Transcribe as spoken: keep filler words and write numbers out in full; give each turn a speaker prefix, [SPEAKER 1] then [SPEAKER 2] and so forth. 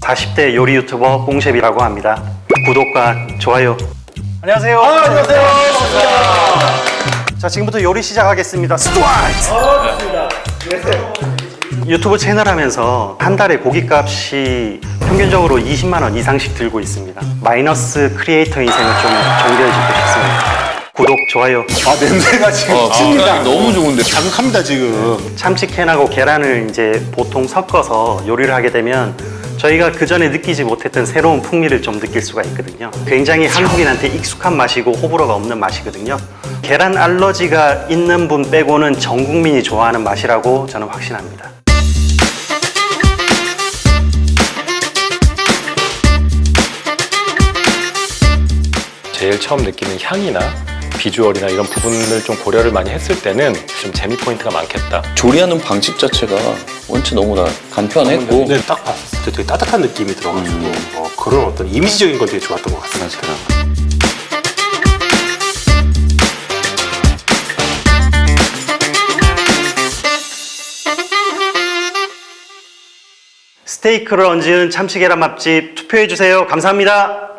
[SPEAKER 1] 사십 대 요리 유튜버 뽕셰프이라고 합니다. 구독과 좋아요.
[SPEAKER 2] 안녕하세요.
[SPEAKER 1] 아, 안녕하세요. 반갑습니다. 자, 지금부터 요리 시작하겠습니다. 스트라이트!
[SPEAKER 2] 어, 좋습니다. 네.
[SPEAKER 1] 유튜브 채널 하면서 한 달에 고깃값이 평균적으로 이십만 원 이상씩 들고 있습니다. 마이너스 크리에이터 인생을 좀 정리해주고 싶습니다. 구독, 좋아요.
[SPEAKER 3] 아 냄새가 지금
[SPEAKER 4] 어,
[SPEAKER 3] 칩니다.
[SPEAKER 4] 너무 좋은데.
[SPEAKER 3] 자극합니다 지금.
[SPEAKER 1] 참치캔하고 계란을 이제 보통 섞어서 요리를 하게 되면 저희가 그 전에 느끼지 못했던 새로운 풍미를 좀 느낄 수가 있거든요. 굉장히 한국인한테 익숙한 맛이고 호불호가 없는 맛이거든요. 계란 알러지가 있는 분 빼고는 전 국민이 좋아하는 맛이라고 저는 확신합니다.
[SPEAKER 4] 제일 처음 느끼는 향이나 비주얼이나 이런 부분을 좀 고려를 많이 했을 때는 좀 재미 포인트가 많겠다.
[SPEAKER 5] 조리하는 방식 자체가 원체 너무나 간편했고
[SPEAKER 3] 근데 딱 봤을 때 되게 따뜻한 느낌이 들어가지고 어, 그런 어떤 이미지적인 건 되게 좋았던 것 같습니다.
[SPEAKER 1] 스테이크를 얹은 참치 계란 맛집 투표해주세요. 감사합니다.